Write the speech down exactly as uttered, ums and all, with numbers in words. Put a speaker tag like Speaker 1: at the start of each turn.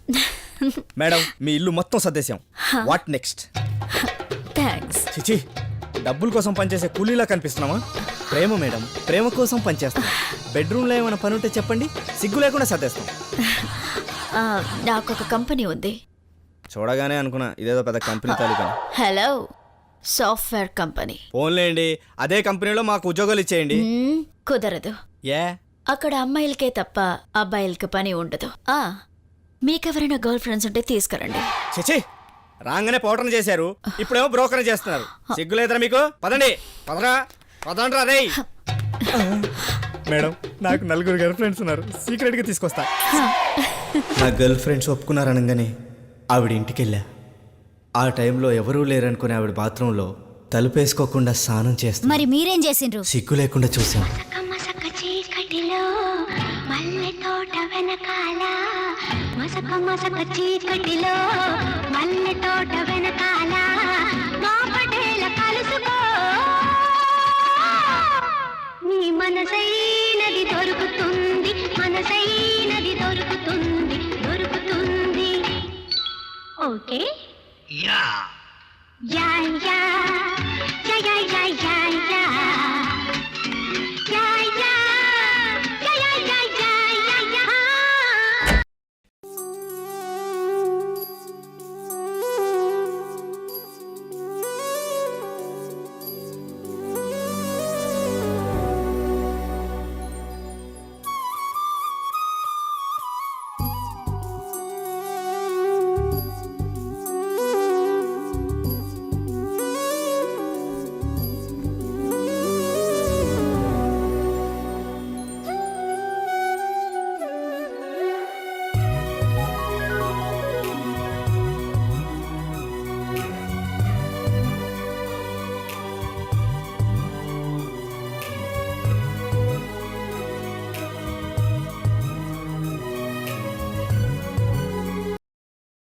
Speaker 1: Madam మీ ఇల్లు మొత్తం సర్దేశాం. What next?
Speaker 2: Thanks.
Speaker 1: చిచి, డబ్బుల కోసం పనిచేసే కూలీలా కనిపిస్తున్నామా? ప్రేమ మేడం, ప్రేమ కోసం పనిచేస్తాం. బెడ్రూమ్లో ఏమైనా పని ఉంటే చెప్పండి, సిగ్గు లేకుండా సర్దేస్తాం.
Speaker 2: నాకు ఒక కంపెనీ ఉంది.
Speaker 1: చూడగానే అనుకున్నా ఇదేదో పెద్ద కంపెనీ తాలూకా.
Speaker 2: Hello, software company.
Speaker 1: ఫోన్లేండి, అదే కంపెనీలో మాకు ఉద్యోగాలు ఇచ్చేయండి.
Speaker 2: కుదరదు.
Speaker 1: ఏ?
Speaker 2: అక్కడ అమ్మాయిలకే తప్ప అబ్బాయిలకి పని ఉండదు. ఆ మీకెవరైనా గర్ల్ ఫ్రెండ్స్ ఉంటే తీసుకురండి.
Speaker 1: చిచి, రాగానే పౌటర్ని చేశారు, ఇప్పుడేమో బ్రోకర్ చేస్తున్నారు. సిగ్గులేదరా మీకు? పదండి, పదరా పదండ్రా రే. మేడం, నాకు నలుగురు గర్ల్ ఫ్రెండ్స్ ఉన్నారు, సీక్రెట్ గా తీసుకొస్తా. నా గర్ల్ ఫ్రెండ్స్ ఒప్పుకున్నారనగానే ఆవిడ ఇంటికి వెళ్ళా. ఆ టైంలో ఎవరూ లేరనుకునే ఆవిడ బాత్రూంలో తలుపేసుకోకుండా స్నానం చేస్తా.
Speaker 3: మరి మీరేం చేసిండ్రు?
Speaker 1: సిగ్గు లేకుండా చూసాం.
Speaker 4: చీకటిలో మల్లె తోట వెనకాల, మసక మసక చీకటిలో మల్లె తోట వెనకాల మా పటేల కలుసుకో, నీ మనసైనది దొరుకుతుంది, మనసైనది దొరుకుతుంది, దొరుకుతుంది. Okay yeah yeah yeah